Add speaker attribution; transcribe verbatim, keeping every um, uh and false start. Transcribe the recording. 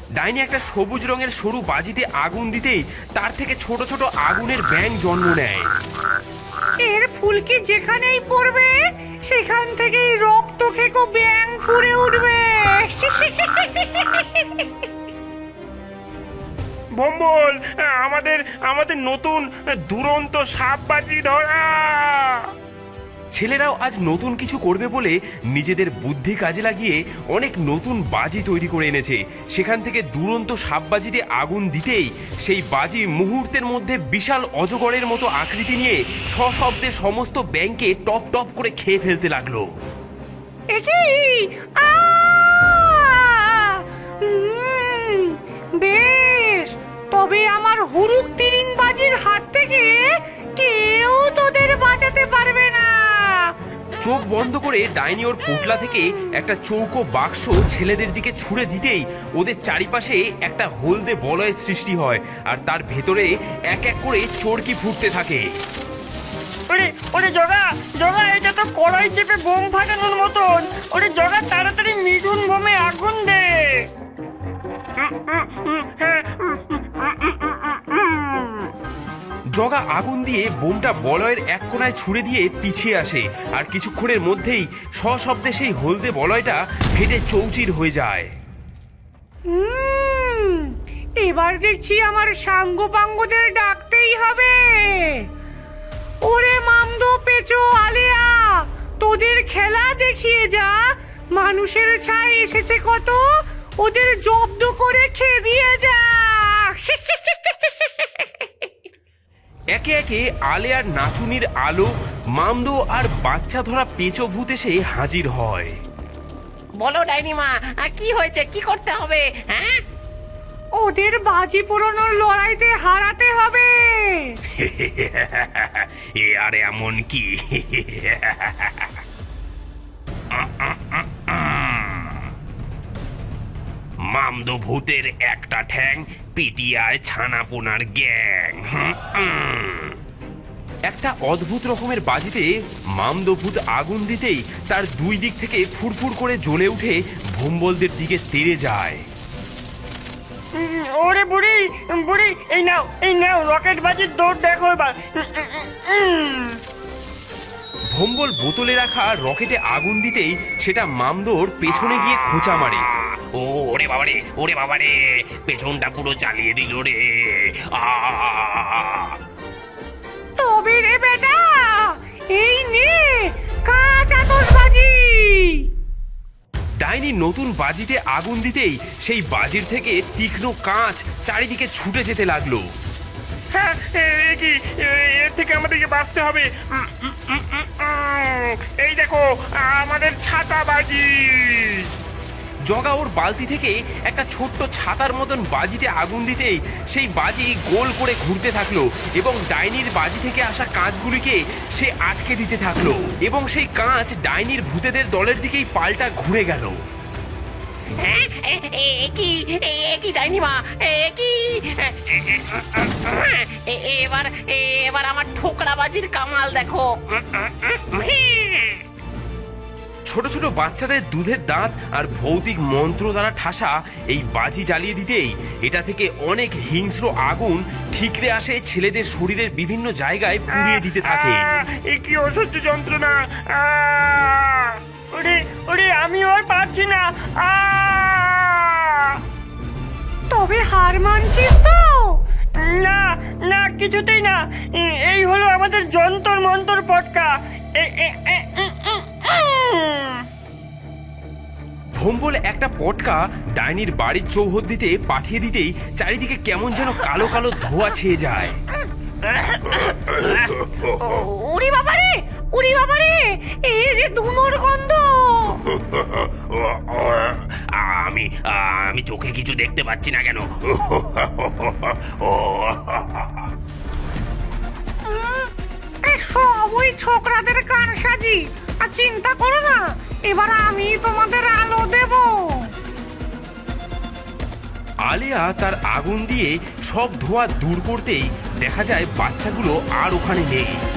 Speaker 1: ডাইনি একটা সবুজ রঙের সরু বাজিতে আগুন দিতেই তার থেকে ছোট ছোট আগুনের ব্যাঙ জন্ম নেয়।
Speaker 2: এর ফুলকি যেখানেই পড়বে সেখান থেকেই রক্ত খেকো ব্যাঙ ফুড়ে উঠবে।
Speaker 3: ভম্বল, আমাদের আমাদের নতুন দুরন্ত সাপ বাজি ধরা।
Speaker 1: ছেলেরাও আজ নতুন কিছু করবে বলে নিজেদের বুদ্ধি কাজে লাগিয়ে অনেক নতুন বাজি তৈরি করে এনেছে। সেখান থেকে দুরন্ত সাপবাজিতে আগুন দিতেই সেই বাজি মুহূর্তের মধ্যে বিশাল অজগরের মতো আকৃতি নিয়ে সশব্দে সমস্ত ব্যাঙকে টপ টপ করে খেয়ে ফেলতে লাগলো।
Speaker 2: একই আ উম, বেশ, তবে আমার হুরুক তিরিং বাজির হাত থেকে কেউ তোদের বাঁচাতে পারবে না।
Speaker 1: চোখ বন্ধ করে ডাইনি ওর পোটলা থেকে একটা চৌকো বাক্স ছেলেদের দিকে ছুঁড়ে দিতেই ওদের চারিপাশে একটা হলদে বলয়ের সৃষ্টি হয়, আর তার ভেতরে এক এক করে চরকি ফুটতে থাকে।
Speaker 3: ওরে ওরে জগা জগা, এটা তো কড়াই চেপে বোম ফাটানোর মতন। ওরে জগা, তাড়াতাড়ি মিঠুন বোমে আগুন দে।
Speaker 1: জগা আগুন দিয়ে বোমটা বলয়ের এক কোণায় ছুঁড়ে দিয়ে পিছিয়ে আসে, আর কিছুক্ষণের মধ্যেই সশব্দে সেই হলদে বলয়টা ফেটে চৌচির হয়ে যায়।
Speaker 2: উম, এবার দেখছি আমার সাঙ্গ পাঙ্গদের ডাকতেই হবে। ওরে মামদো পেচো আলিয়া, তোদের খেলা দেখিয়ে যা। মানুষের ছাই এসেছে কত, ওদের জব্দ করে খেয়ে দিয়ে যা।
Speaker 1: একে একে আলে আর নাচুনির আলো, মামদো আর বাচ্চা ধরা পেঁচো ভূত এসে হাজির হয়।
Speaker 4: বলো ডাইনিমা, কি হয়েছে, কি করতে হবে? হ্যাঁ,
Speaker 2: ওদের বাজি পুরনোর লড়াইতে হারাতে হবে।
Speaker 1: এ আর এমন কি? মামদো ভূতের একটা ঠ্যাং, পিটিয়ায় ছানাপোনার গ্যাং। একটা অদ্ভুত রকমের বাজিতে মামদো ভূত আগুন দিতেই তার দুই দিক থেকে ফুরফুর করে জ্বলে উঠে ভম্বলদের দিকে তেড়ে যায়।
Speaker 3: উম, ওরে বুড়ি বুড়ি, এই নাও এই নাও রকেট বাজির দৌড় দেখো এবার। উম,
Speaker 1: ভম্বল বোতলে রাখা রকেটে আগুন দিতেই সেটা মামদোর পেছনে গিয়ে খোঁচা মারে।
Speaker 5: ও ওরে বাবারে, ওরে বাবারে, পেছনটা পুরো চালিয়ে দিল রে। আ
Speaker 2: তবে রে বেটা, এই নে কাঁচ আতশবাজি।
Speaker 1: ডাইনি নতুন বাজিতে আগুন দিতেই সেই বাজির থেকে তীক্ষ্ণ কাঁচ চারিদিকে ছুটে যেতে লাগলো।
Speaker 3: হ্যাঁ, এ কি, এ- এর থেকে আমাদেরকে বাঁচতে হবে। উম, উম, উম, উম, উম, এই দেখো আমাদের ছাতা বাজি।
Speaker 1: জগা ওর বালতি থেকে একটা ছোট্ট ছাতার মতন বাজিতে আগুন দিতেই সেই বাজি গোল করে ঘুরতে থাকলো এবং ডাইনির বাজি থেকে আসা কাঁচগুলিকে সে আটকে দিতে থাকলো, এবং সেই কাঁচ ডাইনির ভূতেদের দলের দিকেই পাল্টা ঘুরে গেল।
Speaker 4: হ্যাঁ, এ- এ- কি এ- কি ডাইনিমা, এ- কি এ- এ- এবার এবার আমার ঠোকরা বাজির কামাল দেখো।
Speaker 1: ছোট ছোট বাচ্চাদের দুধের দাঁত আর ভৌতিক মন্ত্র দ্বারা ঠাসা এই বাজি জ্বালিয়ে দিতেই এটা থেকে অনেক হিংস্র আগুন ঠিকরে আসে ছেলেদের শরীরের বিভিন্ন জায়গায় পুড়িয়ে দিতে থাকে।
Speaker 3: আহ, এ কি অসহ্য যন্ত্রণা। আহ, ওরে ওরে, আমি আর পারছি না। আহ!
Speaker 2: তবে হার মানছিস তো?
Speaker 3: না না, কিছুতেই না। এ- এই হলো আমাদের যন্তর মন্তর পটকা। এ- এ- এ- উম, উম, উম।
Speaker 1: ভম্বল একটা পটকা ডাইনির বাড়ির চৌহদ্দিতে পাঠিয়ে দিতেই চারিদিকে কেমন যেন কালো কালো ধোঁয়া ছেয়ে যায়।
Speaker 2: উড়ি বাবারে, উড়ি বাবারে, এই যে ধুনোর গন্ধ।
Speaker 5: আমি আমি চোখে কিছু দেখতে পাচ্ছি না কেন?
Speaker 2: উম, এ সব ওই ছোকরাদের কান সাজি। আর চিন্তা করো না, এবার আমি তোমাদের আলো দেব।
Speaker 1: আলিয়া তার আগুন দিয়ে সব ধোঁয়া দূর করতেই দেখা যায় বাচ্চাগুলো আর ওখানে নেই।